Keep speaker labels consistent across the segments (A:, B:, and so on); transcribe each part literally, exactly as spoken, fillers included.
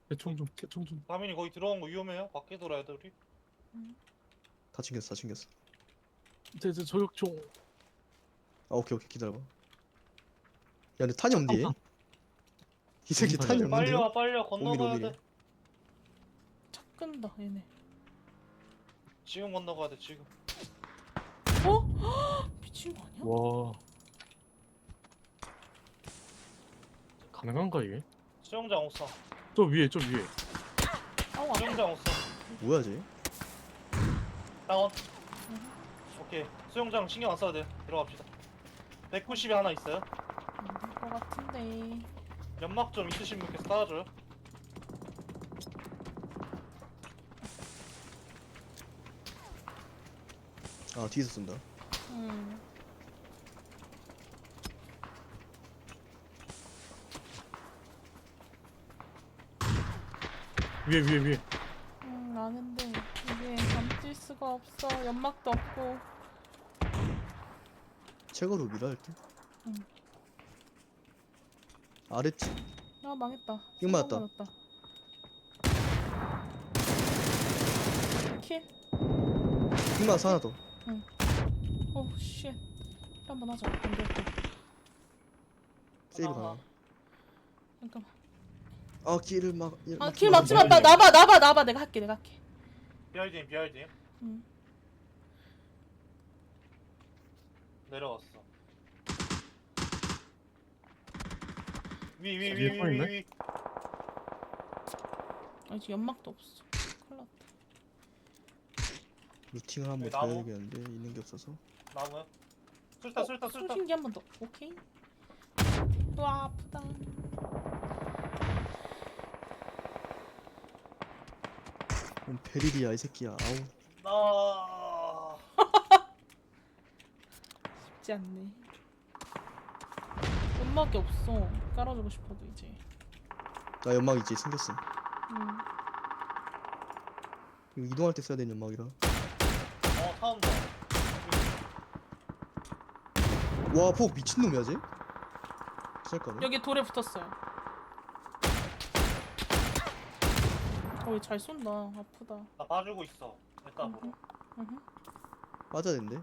A: 개총 좀 개총 좀.
B: 다민이 거기 들어간 거 위험해요? 밖에 돌아야 돼 우리?
C: 다 챙겼어 다 챙겼어.
A: 제, 제 저격총.
C: 아 오케이 오케이 기다려봐. 야 근데 탄이 없니?
A: 깜빡.
C: 이 새끼
A: 무슨
C: 탄이
A: 탄이야?
B: 빨리
C: 없는데요?
B: 와 빨리 와 건너가야
C: 오미리, 오미리.
B: 돼.
D: 차 끈다 얘네.
B: 지금 건너가야 돼 지금.
D: 어? 미친 거 아니야?
A: 와. 가능한가 이게?
B: 수영장 옷 사.
A: 저 위에 저 위에.
D: 아우 아파.
B: 수영장 옷 사.
C: 뭐야 쟤?
B: 다운. 오케이 수영장 신경 안 써도 돼. 들어갑시다. 백구십이 하나 있어요.
D: 거 같은데.
B: 연막 좀 있으신 분께서 따라줘요.
C: 아 뒤에서 쏜다.
D: 음.
A: 위에 위에 위에.
D: 음 아는데 이게 감질 수가 없어. 연막도 없고.
C: 최고로 밀어 할게.
D: 응.
C: 아래쪽.
D: 아 망했다.
C: 이거 맞았다.
D: 맞았다. 킬.
C: 흑마스 하나 더.
D: 오 쉣. 한번 하자. 안 될게.
C: 세이브
B: 하나,
C: 가나.
B: 하나.
D: 잠깐만.
C: 아 길을 막. 일-
D: 아
C: 막지
D: 킬
C: 마.
D: 막지 마. 나 나봐 나봐 나봐. 내가 할게 내가 할게.
B: 비알딘 비알딘
D: 응.
B: 내려왔어. 위 위 위
A: 위에
B: 위
A: 서 있네?
B: 위 위.
D: 아 지금 연막도 없어. 큰일 났다.
C: 루팅을 한번
B: 여기
C: 더
B: 나무?
C: 해야겠는데 있는 게 없어서.
B: 나무야. 술타 술타 술타.
D: 소신기 한 번 더. 오케이. 또 아프다.
C: 뭔 베릴이야 이 새끼야. 아우.
B: 나.
D: 쉽지 않네. 연막이 없어. 깔아주고 싶어도 이제.
C: 나 연막 이제 생겼어.
D: 응.
C: 이거 이동할 때 써야 되는 연막이라.
B: 어 타운다.
C: 와 폭 미친놈이야 쟤? 쌀까네?
D: 여기 돌에 붙었어요. 어이 잘 쏜다. 아프다.
B: 나 봐주고 있어. 일단 보러.
D: 으흠.
C: 빠져야 된대.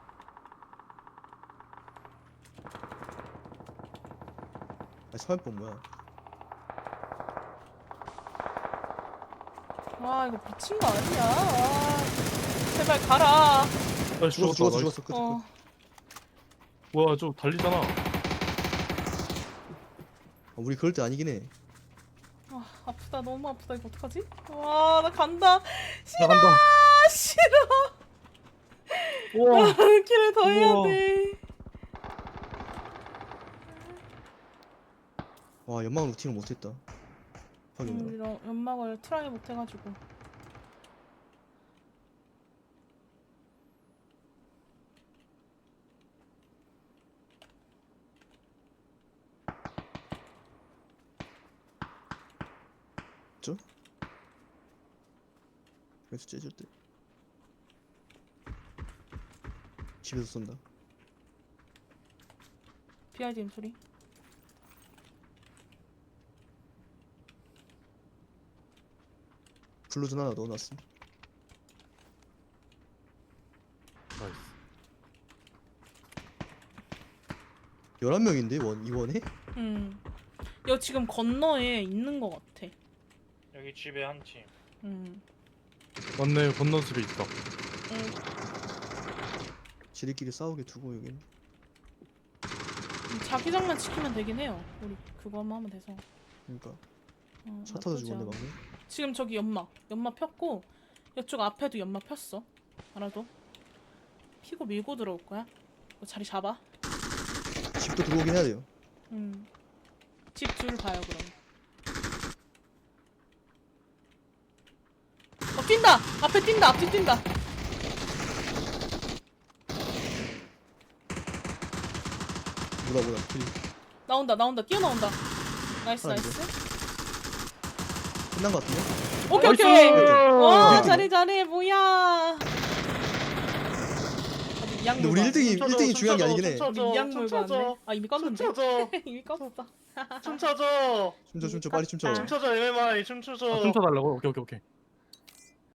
C: 아 삼십번 뭐야?
D: 와 이거 미친 거 아니야. 아, 제발 가라.
A: 아
C: 죽었어
A: 죽었다.
C: 죽었어
A: 나이스.
C: 죽었어. 끝,
D: 어.
C: 끝.
A: 와 저 달리잖아.
C: 아, 우리 그럴 때 아니긴 해.
D: 아 아프다. 너무 아프다. 이거 어떡하지? 와 나 간다. 싫어.
A: 나간다.
D: 싫어.
A: 우와.
D: 길을 더 해야
A: 우와.
D: 돼.
C: 와 연막 루팅을 못했다. 확인해라.
D: 음, 이런 연막을 트라이 못 해가지고.
C: 저? 그래서 째줄 때. 집에서 쏜다.
D: 비아이디엠 소리.
C: 블루전 하나 넣어놨음.
A: 나이스.
C: 열한 명인데 원 이원에?
D: 음. 여기 지금 건너에 있는 것 같아.
B: 여기 집에 한 팀.
D: 음.
A: 맞네 건너 집에 있다.
D: 음.
C: 지들끼리 싸우게 두고 여긴.
D: 자기장만 지키면 되긴 해요. 우리 그거만 하면 돼서.
C: 그러니까
D: 어,
C: 차 타서
D: 나쁘지
C: 죽었네
D: 않아.
C: 방금.
D: 지금 저기 연막. 연막 폈고 이쪽 앞에도 연막 폈어. 알아도. 피고 밀고 들어올 거야. 이거 자리 잡아.
C: 집도 들어오긴 해야 돼요.
D: 음. 집 줄 봐요 그럼. 어 뛴다. 앞에 뛴다. 앞뒤 뛴다.
C: 뭐다 뭐다. 킬.
D: 나온다. 나온다. 뛰어나온다. 나이스
C: 하나
D: 나이스.
C: 끝난 거 같은데?
D: 오케이
A: 나이스!
D: 오케이. 와
C: 일 등.
D: 잘해 잘해 뭐야.
C: 근데 우리 일 등이 일 등이 중요한 게 아니긴 해.
D: 우리 이양물 봤네. 아 이미 껐는데?
B: 멈춰줘.
D: 이미 껐어.
B: 춤춰줘.
C: 춤춰 춤춰 빨리 춤춰.
D: 미쳤다.
B: 춤춰줘 엠엠아이 춤춰줘.
A: 아, 춤춰달라고? 오케이 오케이 오케이.